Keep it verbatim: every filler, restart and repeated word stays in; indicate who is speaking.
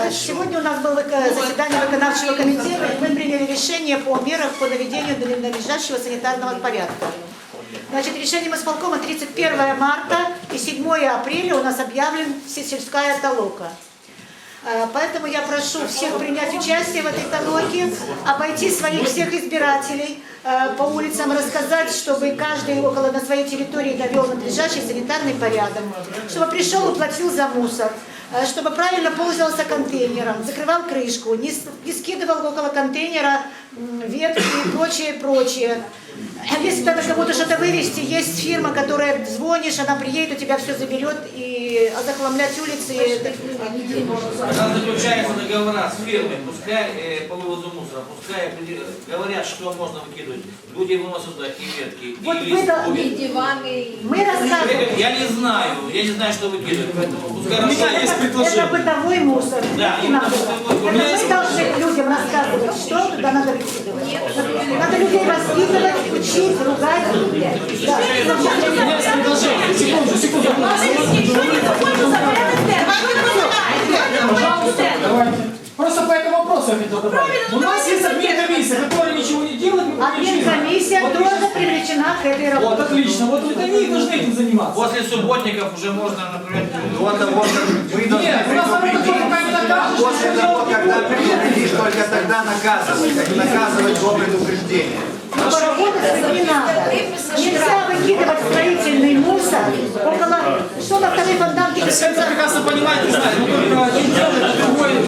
Speaker 1: Сегодня у нас было заседание виконавчего комитета, и мы приняли решение по мерам по наведению надлежащего санитарного порядка. Значит, решением исполкома тридцать первое марта и седьмое апреля у нас объявлен всесельская толока. Поэтому я прошу всех принять участие в этой толоке, обойти своих всех избирателей по улицам, рассказать, чтобы каждый около на своей территории довел надлежащий санитарный порядок, чтобы пришел и платил за мусор, чтобы правильно пользовался контейнером, закрывал крышку, не, не скидывал около контейнера ветки и прочее, прочее. Если надо кому-то что-то вывести, есть фирма, которая звонишь, она приедет, у тебя все заберет, и захламлять улицы.
Speaker 2: Когда заключаются договора с фирмой, пускай э, по вывозу мусора, пускай говорят, что можно выкидывать. Люди выносят туда и ветки,
Speaker 1: Вот
Speaker 2: и лист,
Speaker 1: и
Speaker 3: диваны.
Speaker 1: Мы рассказываем.
Speaker 2: Я не знаю, я не знаю, что выкидывать, поэтому пускай
Speaker 1: У меня есть предложение. Это бытовой мусор.
Speaker 2: Да,
Speaker 1: не надо. Это мы должны людям рассказывать, что туда надо выкидывать. Надо людей воспитывать, учить, ругать. Да.
Speaker 4: У меня есть предложение. Секунду, секунду. Пожалуйста, давайте. Просто по этому вопросу я хотел добавить. У нас есть админ-комиссия, которая ничего не делает.
Speaker 1: Админ-комиссия тоже привлечена к этой работе.
Speaker 4: Вот, отлично. Вот, вот они и должны этим заниматься.
Speaker 2: После субботников уже можно, например,
Speaker 5: Вот, вот, вы должны
Speaker 4: Нет, у нас работа только не докажешь.
Speaker 5: после того, когда предупредишь, только тогда наказывать, а не наказывать до предупреждения.
Speaker 1: Но поработать с этим не надо. Нельзя выкидывать строительный мусор около... Что на второй фонтанке?
Speaker 4: Все это прекрасно понимаете, знаете, но только один делает, другой